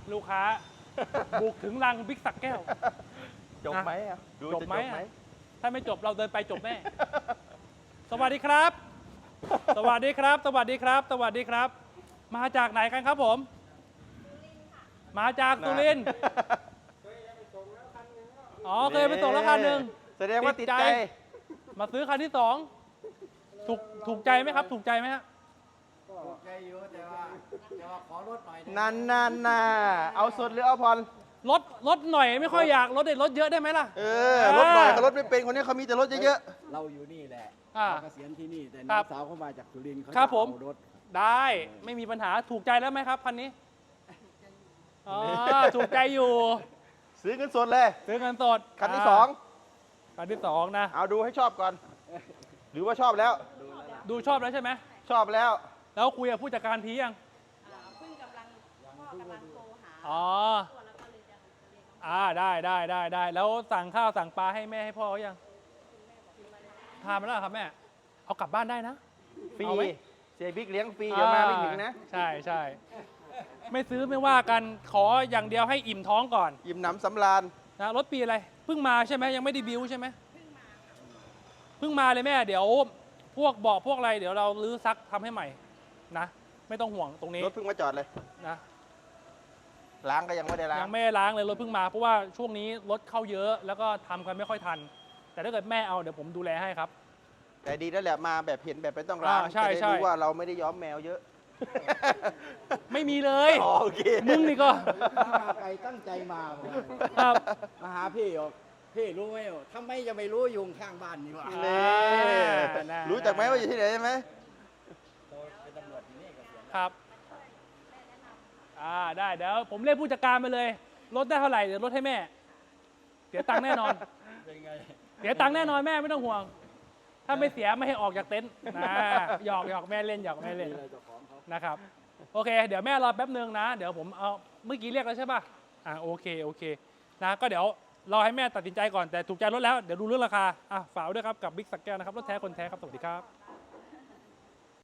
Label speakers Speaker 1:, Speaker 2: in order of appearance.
Speaker 1: ลูกค้า บุกถึงรังบิ๊กสักแก้ว
Speaker 2: จบไหมอ่ะดู
Speaker 1: จบ
Speaker 2: จะ
Speaker 1: ไหม
Speaker 2: จบไหม
Speaker 1: ถ้าไม่จบเราเดินไปจบแน่ สวัสดีครับ สวัสดีครับ สวัสดีครับ สวัสดีครับ มาจากไหนกันครับผม มาจากสุรินทร์อ๋อเคยไปส่งแล้วคันหนึ่ง
Speaker 2: แสดงว่าติดใจ
Speaker 1: มาซื้อคันที่สองถูกใจไหมครับ ถูกใจไหมฮะ
Speaker 3: ถูกใจอยู่แต่ว่าขอลดหน่อย
Speaker 2: นานเอาสดหรือเอาผ่อน
Speaker 1: รถหน่อยไม่ค่อยอยากรถรถเยอะได้ไหมล่ะ
Speaker 2: รถหน่อยเขารถไม่เป็นคนนี้เขามีแต่รถเยอะ
Speaker 3: เราอยู่นี่แหละ
Speaker 1: อ่า
Speaker 3: เกษียณที่นี่แต่
Speaker 1: ค
Speaker 3: น้
Speaker 1: รั
Speaker 3: อบ งสาวเขามาจากสุรินทร์เขา
Speaker 1: ครับ
Speaker 3: จะ
Speaker 1: ผม
Speaker 3: เอารถ
Speaker 1: ได้ไม่มีปัญหาถูกใจแล้วไหมครับคันนี้อ๋อถูกใจอยู่
Speaker 2: ๆซื้อเงินสดเลย
Speaker 1: ซื้อเงินสด
Speaker 2: คันที่สอง
Speaker 1: คันที่สองนะ
Speaker 2: เอาดูให้ชอบก่อน หรือว่าชอบแล้ว
Speaker 1: ดูชอบแล้วใช่ไหม
Speaker 2: ชอบแล้ว
Speaker 1: แล้วคุยกับผู้จัดการทียัง
Speaker 4: เพิ่งกำลังพ่อกำลังโทรหา
Speaker 1: อ๋อ
Speaker 4: ตัวแล้วก็เลยจะเรียน
Speaker 1: ได้แล้วสั่งข้าวสั่งปลาให้แม่ให้พ่อเขายังทานมาแล้วเหรอครับแม่เอากลับบ้านได้นะ
Speaker 2: ฟรี
Speaker 1: เอาไหม
Speaker 2: เสียบิ๊กเลี้ยงฟรีเดี๋ยวมาไม่ถึงนะ
Speaker 1: ใช่ไม่ซื้อไม่ว่ากันขออย่างเดียวให้อิ่มท้องก่อน
Speaker 2: ยิ้มหนำสำราญ
Speaker 1: นะรถปีอะไรเพิ่งมาใช่ไหมยังไม่ได้บิวใช่ไหมเพิ่งมาเลยแม่เดี๋ยวพวกเบาะพวกอะไรเดี๋ยวเราลื้อซักทำให้ใหม่นะไม่ต้องห่วงตรงนี้
Speaker 2: รถเพิ่งมาจอดเลย
Speaker 1: นะ
Speaker 2: ล้างก็ยังไม่ได้ล้าง
Speaker 1: ยังไม่ได้ล้างเลยรถเพิ่งมาเพราะว่าช่วงนี้รถเข้าเยอะแล้วก็ทำกันไม่ค่อยทัน แต่ถ้าเกิดแม่เอาเดี๋ยวผมดูแลให้ครับ
Speaker 2: แต่ดีแล้วแหละมาแบบเห็นแบบไม่ต้องล้าง
Speaker 1: ใช่
Speaker 2: จะได้
Speaker 1: ใช่
Speaker 2: รู้ว่าเราไม่ได้ย้อมแมวเยอะ
Speaker 1: ไม่มีเลย
Speaker 2: อ๋อโอเค
Speaker 1: มึงนี่ก็
Speaker 3: มาไกลตั้งใจมา
Speaker 1: ครับ
Speaker 3: มาหาพี่บอกพี่รู้ไหมทำไมจะไม่รู้ยุงข้างบ้านนี่วะ
Speaker 2: นี่
Speaker 1: น่า
Speaker 2: รู้จักไหมว่าอยู่ที่ไหนใช่ไหม
Speaker 3: เป็นตำรวจที่นี่เกษียณ
Speaker 1: ครับได้เดี๋ยวผมเรียกผู้จัดการมาเลยลดได้เท่าไหร่เดี๋ยวลดให้แม่เสียตังค์แน่นอน
Speaker 3: เป็นไง
Speaker 1: เสียตังค์แน่นอนแม่ไม่ต้องห่วง ถ้าไม่เสียไม่ให้ออกจากเต็นท์นะหยอกแม่เล่นหยอกแม่เล่น
Speaker 3: มีอะไรเจ้าของเขา
Speaker 1: นะครับ โอเค เดี๋ยวแม่รอแป๊บนึงนะ เดี๋ยวผมเอาเมื่อกี้เรียกแล้วใช่ป่ะโอเคนะก็เดี๋ยวรอให้แม่ตัดสินใจก่อนแต่ถูกใจรถแล้วเดี๋ยวดูเรื่องราคาฝากไว้ด้วยครับกับบิ๊กสักแก้วนะครับรถแท้คนแท้ครับสวัสดีครับ